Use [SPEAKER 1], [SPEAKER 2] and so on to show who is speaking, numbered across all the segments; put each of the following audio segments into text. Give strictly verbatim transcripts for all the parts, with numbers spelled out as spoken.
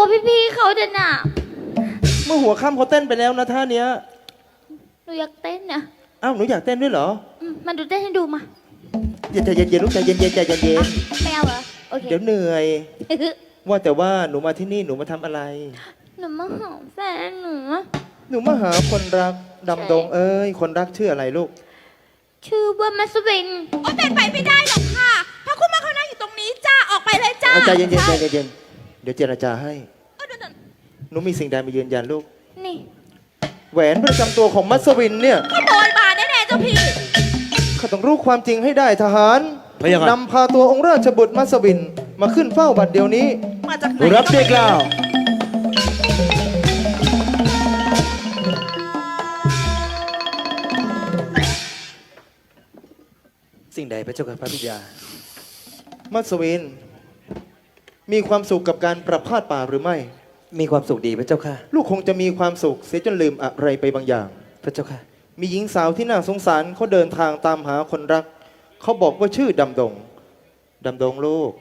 [SPEAKER 1] กับพี่ๆเขาเดินน่ะ
[SPEAKER 2] เมื่อหัวค่ำเขาเต้นไปแล้วนะท่าเนี้ย
[SPEAKER 1] หนูอยากเต้นนะ
[SPEAKER 2] อ้าวหนูอยากเต้นด้วยเหรอ
[SPEAKER 1] มาดูเต้นให้ดูมา
[SPEAKER 2] ใจเย็นๆลูกใจเย็นๆใจเย็น
[SPEAKER 1] ๆไม่เอาเหรอโอเค
[SPEAKER 2] เดี๋ยวเหนื่อยว่าแต่ว่าหนูมาที่นี่หนูมาทำอะไร
[SPEAKER 1] หนูมาหาแฟนหนู
[SPEAKER 2] หนูมาหาคนรักดำดงเอ้ยคนรักชื่ออะไรลูก
[SPEAKER 1] ชื่อว่ามัสวิน
[SPEAKER 3] โอ้เป็นไปไม่ได้หรอกค่ะพระคุณมาเขานั่งอยู่ตรงนี้จ้าออกไปเลยจ้า
[SPEAKER 2] ใจเย็นๆใจเย็นๆเดี๋ยวเจรจาให้หนูมีสิ่งใดมายืนยันลูก
[SPEAKER 1] นี่
[SPEAKER 2] แหวนประจำตัวของมัสวินเนี่ย
[SPEAKER 3] ขโมยมาแน่ๆเจ้าพี่
[SPEAKER 2] ข้าต้องรู้ความจริงให้ได้ทหารนำพาตัวองค์ราชบุตรมัสวินมาขึ้นเฝ้าบัดเดี๋ยวนี้
[SPEAKER 3] มาจากไหน
[SPEAKER 2] รับเด็กล่าวสิ่งใดพระเจ้าค่ะพระบิดามัสวินมีความสุขกับการประพาสป่าหรือไม่
[SPEAKER 4] มีความสุขดีพระเจ้าค่ะ
[SPEAKER 2] ลูกคงจะมีความสุขเสียจนลืมอะไรไปบางอย่าง
[SPEAKER 4] พระเจ้าค่ะ
[SPEAKER 2] มีหญิงสาวที่น่าสงสารเขาเดินทางตามหาคนรักเขาบอกว่าชื่อดำดงดำดงลูก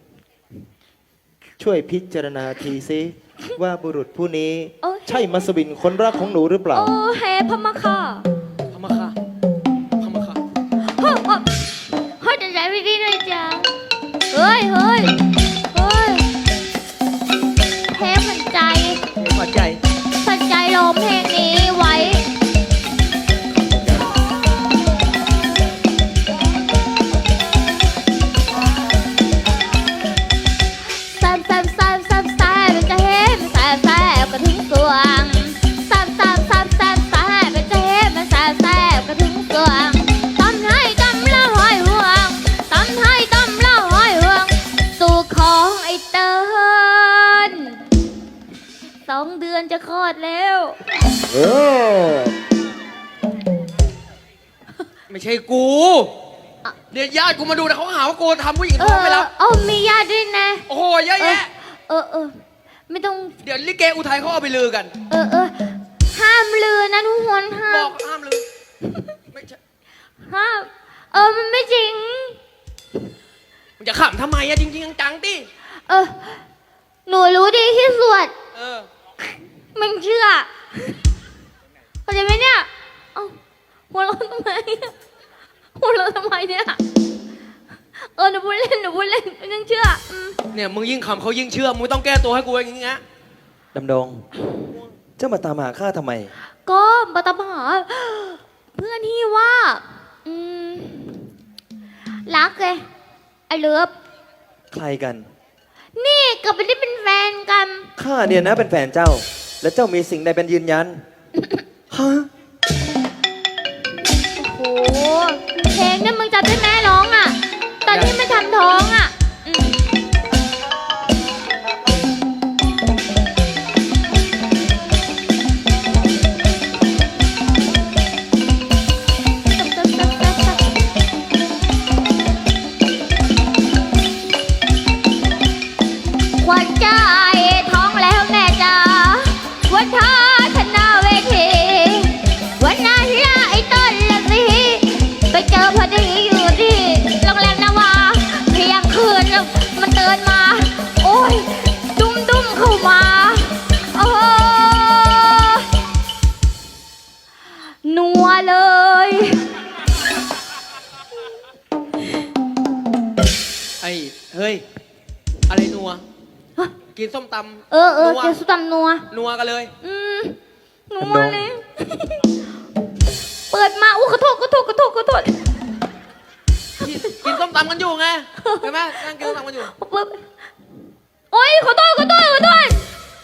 [SPEAKER 2] ช่วยพิจารณาทีซิว่าบุรุษผู้นี้ใช่มัสวินคนรักของหนูหรือเปล่า
[SPEAKER 1] โอ้เฮพม่าค่ะ
[SPEAKER 4] พม่าค่ะพม่าค่ะ
[SPEAKER 1] เฮ้ยเฮ้ยจะใจไม่ดีเลยจ้าเฮ้ยเฮ้ยเฮ้ยเทปมันใจ
[SPEAKER 4] หัวใจ
[SPEAKER 1] สันใจร้องเพลงนี้ไว้แซมแซมแซมแซมแซมมันจะเห็นแซมแซมกระถึงสวงแซมแซมแซมแซมแซมมันจะเห็นมันแซมแซมกระถึงสวงตำให้ตำละหอยห่วงตำให้ตำละหอยห่วงสู่ของไอ้เติ้ลสองเดือนจะคลอดแล้ว
[SPEAKER 2] เออ
[SPEAKER 4] ไม่ใช่กูเดี๋ยวญาติกูมาดูนะเขาหาว่ากูทำผู้หญิงท้องไปแล้ว
[SPEAKER 1] เออมีญาติด้วยนะ
[SPEAKER 4] โอ้โหเยอะแยะ
[SPEAKER 1] เออเออไม่ต้อง
[SPEAKER 4] เดี๋ยวลิเกอุทัยเขาเอาไปลือกัน
[SPEAKER 1] เออเออห้ามลือนะทุกคนห้าม
[SPEAKER 4] บอกห้ามลือไม่ใช่
[SPEAKER 1] ห้ามเออมันไม่จริง
[SPEAKER 4] มึงจะขำทำไมอะจริงๆจังๆดิ
[SPEAKER 1] เออหนูรู้ดีที่สุด
[SPEAKER 4] เออ
[SPEAKER 1] มึงเชื่อเข้าใจไหมเนี่ยเอ้าหัวเราะทำไมหัวเราะทำไมเนี่ยเออหนูพูดเล่นหนูพูดเล่นมึงเชื่อ
[SPEAKER 4] เนี่ยมึงยิ่งขำเขายิ่งเชื่อมึงต้องแก้ตัวให้กูอย่างงี้นะ
[SPEAKER 2] ดำดงเจ้ามาตามหาข้าทำไม
[SPEAKER 1] ก็มาตามหาเพื่อนที่ว่าอืมรักไงไอ้เลิฟ
[SPEAKER 2] ใครกัน
[SPEAKER 1] นี่กับไม่ได้เป็นแฟนกัน
[SPEAKER 2] ข้าเนี่ยนะเป็นแฟนเจ้าแล้วเจ้ามีสิ่งใดเป็นยืนยันฮะ
[SPEAKER 1] โอ้โหเพลงเนี่ยมึงจำได้ไหมร้องอ่ะตอนที่มันทำท้องอ่ะวันใจท้องแล้วแม่จ๋าวันท้าชนะเวทีวันนั้นละไอ้ต้นละสิไปเจอพอดีอยู่ที่โรงแรมนาวาเที่ยงคืนมันเดินมาโอ้ยดุ้มดุ้มเข้ามาโอ้นัวเลย
[SPEAKER 4] ไอ้เฮ้ยอะไรนัวกินส้มตำ
[SPEAKER 1] เออเออกินส้มตำนัว
[SPEAKER 4] นัวกันเลย
[SPEAKER 1] อืมนัวเลยเปิดมาอู้ขอโทษขอโทษขอโทษขอโทษ
[SPEAKER 4] กินส้มตำกันอยู่ไงเห็นไหมนั่งกินส้มตำกันอยู่
[SPEAKER 1] โอ๊ยขอโทษขอโทษขอโทษ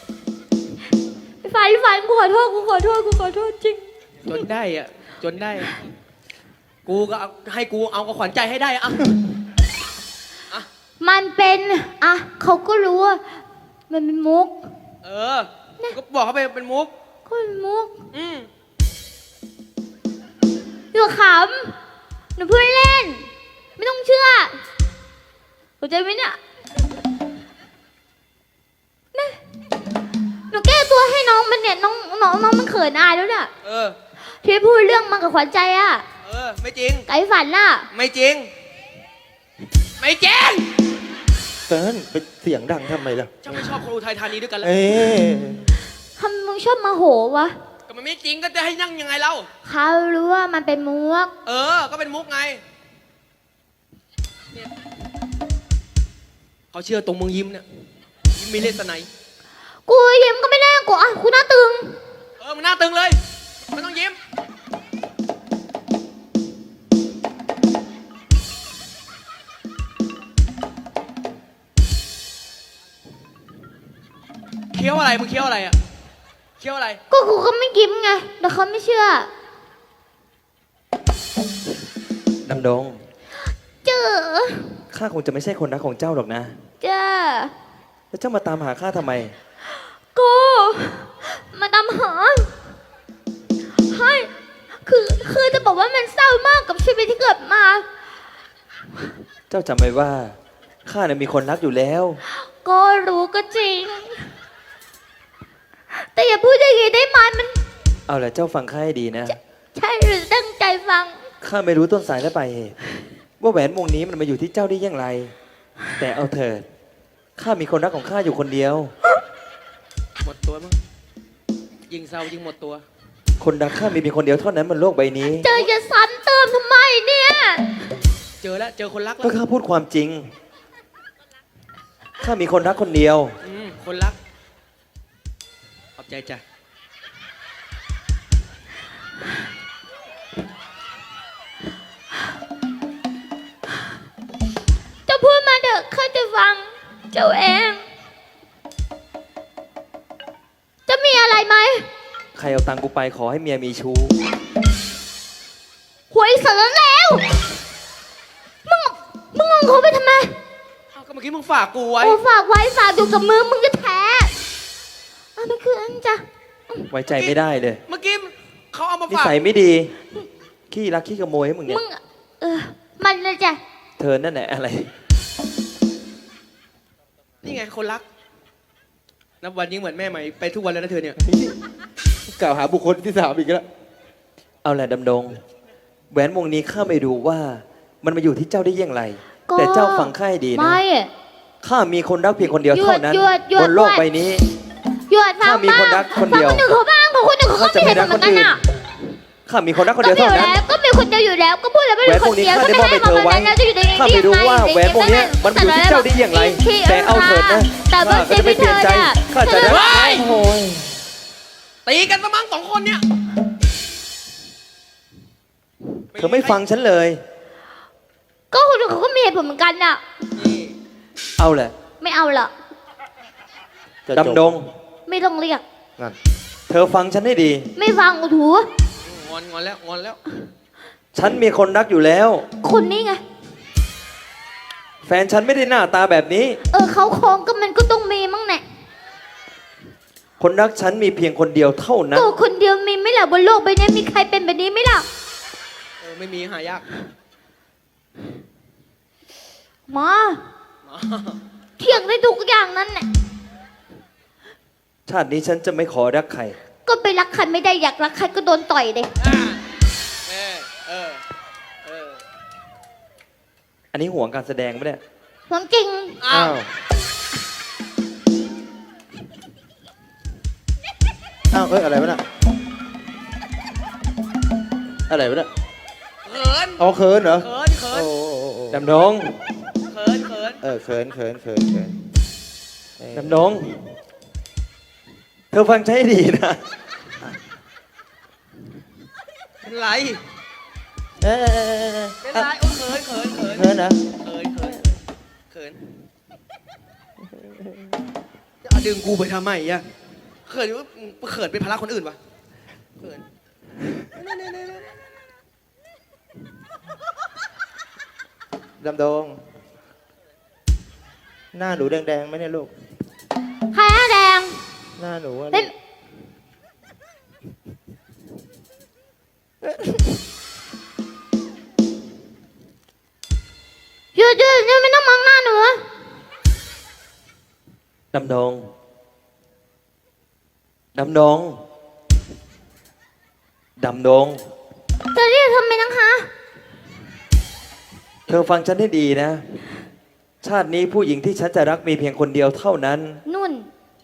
[SPEAKER 1] ฝันฝันกูขอโทษกูขอโทษกูขอโทษจริง
[SPEAKER 4] จนได้อ่ะจนได้กูก็ให้กูเอากับขวัญใจให้ได้อ่ะ
[SPEAKER 1] มันเป็นอ่ะเขาก็รู้ว่ามันเป็นมุก
[SPEAKER 4] เออก็บอกเขาไปเป็นมุก
[SPEAKER 1] ก็เป็นมุก
[SPEAKER 4] อืม
[SPEAKER 1] อย่าขำหนูเพื่อนเล่นไม่ต้องเชื่อเข้าใจไหมเนี่ยนะหนูแก้ตัวให้น้องมันเนี่ยน้องน้องน้องมันเขินอายแล้วเนี่ย
[SPEAKER 4] เออ
[SPEAKER 1] ที่พูดเรื่องมันกับขวัญใจอ่ะ
[SPEAKER 4] เออไม่จริง
[SPEAKER 1] ไก่ฝันน่ะ
[SPEAKER 4] ไม่จริงไม่จริง
[SPEAKER 2] เติ้ลไปเสียงดังทำไมล่ะ
[SPEAKER 4] ฉันไม่ชอบคนอุทัยธานีด้วยกันแล้ว
[SPEAKER 2] เอ๊ะ
[SPEAKER 1] ทำไมมึงชอบมาโหวะ
[SPEAKER 4] ก็มันไม่จริงก็จะให้นั่งยังไงเล่า
[SPEAKER 1] เขารู้ว่ามันเป็นมุก
[SPEAKER 4] เออ ก็เป็นมุกไงเนี่ยเขาเชื่อตรงมึงยิ้มเนี่ยยิ้มมีเลสไน
[SPEAKER 1] กูยิ้มก็ไม่ได้กูอ่ะกูหน้าตึง
[SPEAKER 4] เออมึงหน้าตึงเลยไม่ต้องยิ้มเคี้ยวอะไรมึงเคี้ยวอะไรอ่ะเคี้ยวอะไร
[SPEAKER 1] ก็กูก็ไม่ยิ้มไงแต่เขาไม่เชื่อ
[SPEAKER 2] ดำดง
[SPEAKER 1] เจอ
[SPEAKER 2] ข้าคงจะไม่ใช่คนรักของเจ้าหรอกนะ
[SPEAKER 1] เจอ
[SPEAKER 2] แล้วเจ้ามาตามหาข้าทำไม
[SPEAKER 1] กูมาตามหาให้คือคือจะบอกว่ามันเศร้ามากกับชีวิตที่เกิดมา
[SPEAKER 2] เจ้าจำไว้ว่าข้าเนี่ยมีคนรักอยู่แล้ว
[SPEAKER 1] ก็รู้ก็จริง แต่อย่าพูดอย่างนี้ได้ไหมมัน
[SPEAKER 2] เอาละเจ้าฟังข้าให้ดีนะ
[SPEAKER 1] ใช่หรือตั้งใจฟัง
[SPEAKER 2] ข้าไม่รู้ต้นสายและปลายเหตุว่าแหวนวงนี้มันมาอยู่ที่เจ้าได้อย่างไร แต่เอาเถิดข้ามีคนรักของข้าอยู่คนเดียว
[SPEAKER 4] หมดตัวมั้งยิงเศร้ายิงหมดตัว
[SPEAKER 2] คนรักข้ามีเพียงคนเดียวเท่านั้นบนโลกใบนี้
[SPEAKER 1] เจอจะซ้ำเติมทำไมเนี่ย
[SPEAKER 4] เจอแล้วเจอคนรักแล้
[SPEAKER 2] ก็
[SPEAKER 4] ว
[SPEAKER 2] ข้าพูดความจริงข้ามีคนรักคนเดียว
[SPEAKER 4] อืมคนรักขอบใจจ้ะ
[SPEAKER 1] เจะพูดมาเถอะข้าจะฟัง เจ้าเอง จะมีอะไรไหม
[SPEAKER 2] ใครเอาตังค์กูไปขอให้เมียมีชู้
[SPEAKER 1] หวยเสือแล้ว มึง มึงงงเขาไปทำไม
[SPEAKER 4] อ้าวก็เมื่อกี้มึงฝากกูไว้
[SPEAKER 1] โอ้ฝากไว้ฝากอยู่กับมือมึงจะแท้เอาไปคืนจ้ะ
[SPEAKER 2] ไว้ใจไม่ได้เลย
[SPEAKER 4] เมื่อกี้เขาเอามา
[SPEAKER 2] นิ
[SPEAKER 4] ฝาก
[SPEAKER 2] สัยไม่ดี ขี้รักขี้ขโมยให้มึงเนี่ย
[SPEAKER 1] มึง เออ มันเลยจ้ะ
[SPEAKER 2] เธอนั่นแหละอะไร
[SPEAKER 4] นี่ไงคนรัก นับวันยิ่งเหมือนแม่ใหม่ไปทุกวันแล้วนะเธอเนี่ย
[SPEAKER 2] กล่าวหาบุคคลที่สามอีกแล้ว เอาแหละดำดง แหวนวงนี้ข้าไม่รู้ว่า มันมาอยู่ที่เจ้าได้อย่างไร
[SPEAKER 1] ก็
[SPEAKER 2] แต่เจ้าฟังข้าให้ดีนะ
[SPEAKER 1] ไม่
[SPEAKER 2] ข้ามีคนรักเพียงคนเดียวเท่านั้น
[SPEAKER 1] หยุดหยุดหยุด
[SPEAKER 2] บนโลกใบนี้
[SPEAKER 1] หยุดฟัง
[SPEAKER 2] ถ้ามี
[SPEAKER 1] บ้าง
[SPEAKER 2] คนรักคนเดียว
[SPEAKER 1] ฟังคนอื่นเขาบ้างของคนอื่นเขาก็
[SPEAKER 2] ข้าจะ
[SPEAKER 1] ไม่
[SPEAKER 2] ไม่
[SPEAKER 1] เห็น
[SPEAKER 2] รัก
[SPEAKER 1] เหมื
[SPEAKER 2] ค
[SPEAKER 1] อน นกัน
[SPEAKER 2] อื่น
[SPEAKER 1] อ่ะ
[SPEAKER 2] ข้ามีคนรักคน
[SPEAKER 1] ก็
[SPEAKER 2] เดียว
[SPEAKER 1] มีอ
[SPEAKER 2] เท่า
[SPEAKER 1] ยู่
[SPEAKER 2] นั้น
[SPEAKER 1] แล้วก็มีคนเดียวอยู่แล้ว ก็พูดแล้วไม่
[SPEAKER 2] แหว
[SPEAKER 1] มี
[SPEAKER 2] น
[SPEAKER 1] ค
[SPEAKER 2] วง
[SPEAKER 1] น
[SPEAKER 2] นี้
[SPEAKER 1] เดียว
[SPEAKER 2] ข้า
[SPEAKER 1] ก็
[SPEAKER 2] ได้
[SPEAKER 1] ไม่
[SPEAKER 2] มอบ
[SPEAKER 1] ให้
[SPEAKER 2] ให้
[SPEAKER 1] มา
[SPEAKER 2] เธอ
[SPEAKER 1] วัน
[SPEAKER 2] ไว้
[SPEAKER 1] นั้นแล้วจะอยู่ได้ยังไง
[SPEAKER 2] ข้าไม่รู้ว่าแหวนวงเนี้ยมันอยู่ที่เจ้าได้อย่างไร แต่เอาเถิดนะ
[SPEAKER 1] แต่ว่า
[SPEAKER 2] ข้าก็จะไม่เปลี่ยนใจข้าจะได้
[SPEAKER 4] เฮ้ย
[SPEAKER 2] โอ้ย
[SPEAKER 4] ตีกันซะมั้งสองคนเนี่ย
[SPEAKER 2] เธอไม่ฟังฉันเลย
[SPEAKER 1] ก็คนอื่นเขาก็มีเหตุผลเหมือนกันน่ะ
[SPEAKER 4] นี่
[SPEAKER 2] เอาแหละ
[SPEAKER 1] ไม่เอาละ
[SPEAKER 2] ดำดง
[SPEAKER 1] ไม่ต้องเรียก
[SPEAKER 2] นั่นเธอฟังฉันให้ดี
[SPEAKER 1] ไม่ฟังกูถู
[SPEAKER 4] งอนงอนแล้วงอนแล้ว
[SPEAKER 2] ฉันมีคนรักอยู่แล้ว
[SPEAKER 1] คนนี้ไง
[SPEAKER 2] แฟนฉันไม่ได้หน้าตาแบบนี้
[SPEAKER 1] เออเขาคองก็มันก็ต้องมีมั้งแน่
[SPEAKER 2] คนรักฉันมีเพียงคนเดียวเท่านั้น
[SPEAKER 1] ก็คนเดียวมีไหม่ล่ะบนโลกใบนี้มีใครเป็นแบบนี้ไหมล่ะ
[SPEAKER 4] เออไม่มีหายาก
[SPEAKER 1] มาเถียงได้ทุกอย่างนั้นแหละ
[SPEAKER 2] ชาตินี้ฉันจะไม่ขอรักใคร
[SPEAKER 1] ก็ไปรักใครไม่ได้อยากรักใครก็โดนต่อยเลย
[SPEAKER 4] อ่าเออเออเออ
[SPEAKER 2] อันนี้ห่วงการแสดงปะเนี่ย
[SPEAKER 1] หวังจริง
[SPEAKER 4] อ้าว
[SPEAKER 2] อ้าว เอ้ยอะไรวะน่ะ อะไรวะน่ะ
[SPEAKER 4] เขิน
[SPEAKER 2] เอาเขินเหรอ
[SPEAKER 4] เขินเขิน
[SPEAKER 2] ดำดง
[SPEAKER 4] เขินเขิน
[SPEAKER 2] เออเขินเขินเขินเขินดำดง เธอฟังฉันให้ดีนะ
[SPEAKER 4] เป็นไร
[SPEAKER 2] เออ
[SPEAKER 4] เป็นไรโอ้เขินเขินเขิน
[SPEAKER 2] เขินนะ
[SPEAKER 4] เขินเขินเขินจะเอาดึงกูไปทำไมอ่ะเขินว่าเขินเป็นภาระคนอื่นวะเขิน
[SPEAKER 2] ดำดง หน้าหนูแดงๆไหมเนี่ยลูก
[SPEAKER 1] ใครหน้าแดง
[SPEAKER 2] หน้าหนูอะ
[SPEAKER 1] เป็นหยุดหยุดหยุดไม่ต้องมองหน้าหนู
[SPEAKER 2] ดำดง ดำดง ดำดง
[SPEAKER 1] จะเรียกทำไมนังคะ
[SPEAKER 2] เธอฟังฉันให้ดีนะชาตินี้ผู้หญิงที่ฉันจะรักมีเพียงคนเดียวเท่านั้น
[SPEAKER 1] นุ่น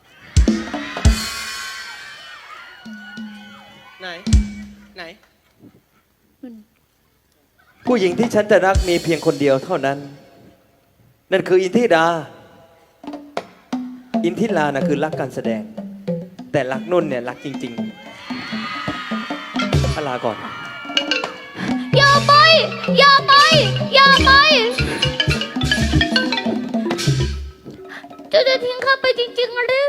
[SPEAKER 4] ไหน ไหน
[SPEAKER 2] ผู้หญิงที่ฉันจะรักมีเพียงคนเดียวเท่านั้น นั่นคืออินทิรา อินทิรานะคือรักการแสดง แต่รักนุ่นเนี่ยรักจริงๆพลาก่อน
[SPEAKER 1] อย่าไป อย่าไป อย่าไปเจะจะทิ้งข้าไปจริงๆหรือ